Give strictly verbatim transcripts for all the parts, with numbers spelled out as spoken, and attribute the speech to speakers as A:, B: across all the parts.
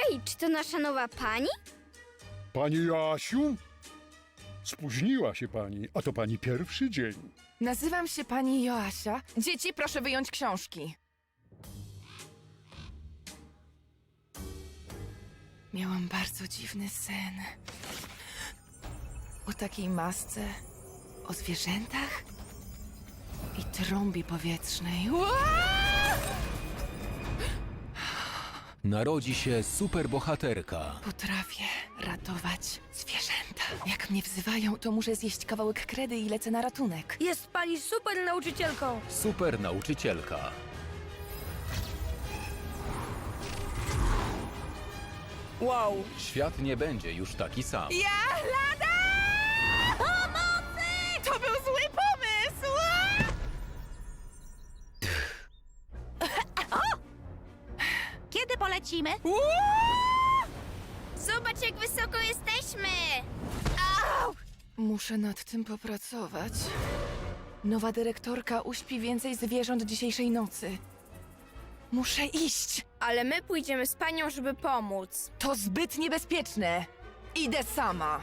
A: Ej, czy to nasza nowa pani?
B: Pani Joasiu? Spóźniła się pani, a to pani pierwszy dzień.
C: Nazywam się pani Joasia. Dzieci, proszę wyjąć książki. Miałam bardzo dziwny sen. O takiej masce, o zwierzętach i trąbie powietrznej. Ua!
D: Narodzi się superbohaterka.
C: Potrafię ratować zwierzęta. Jak mnie wzywają, to muszę zjeść kawałek kredy i lecę na ratunek.
E: Jest pani super nauczycielką.
D: Super nauczycielka.
E: Wow.
D: Świat nie będzie już taki sam.
C: Ja lada! Pomocy! To był zły pomysł!
F: Kiedy polecimy?
A: Zobacz, jak wysoko jesteśmy!
C: Muszę nad tym popracować. Nowa dyrektorka uśpi więcej zwierząt dzisiejszej nocy. Muszę iść.
E: Ale my pójdziemy z panią, żeby pomóc.
C: To zbyt niebezpieczne. Idę sama.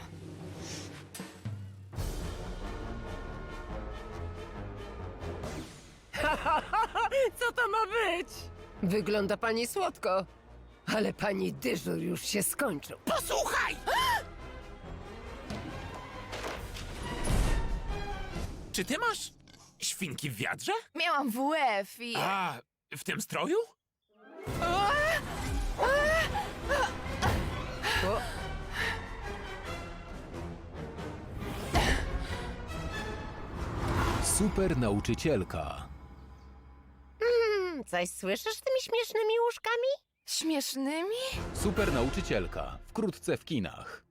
E: Co to ma być?
G: Wygląda pani słodko, ale pani dyżur już się skończył.
H: Posłuchaj! Czy ty masz świnki w wiadrze?
C: Miałam W F i...
H: A, w tym stroju?
D: Super nauczycielka.
G: Hmm, coś słyszysz tymi śmiesznymi łóżkami?
C: Śmiesznymi?
D: Super nauczycielka. Wkrótce w kinach.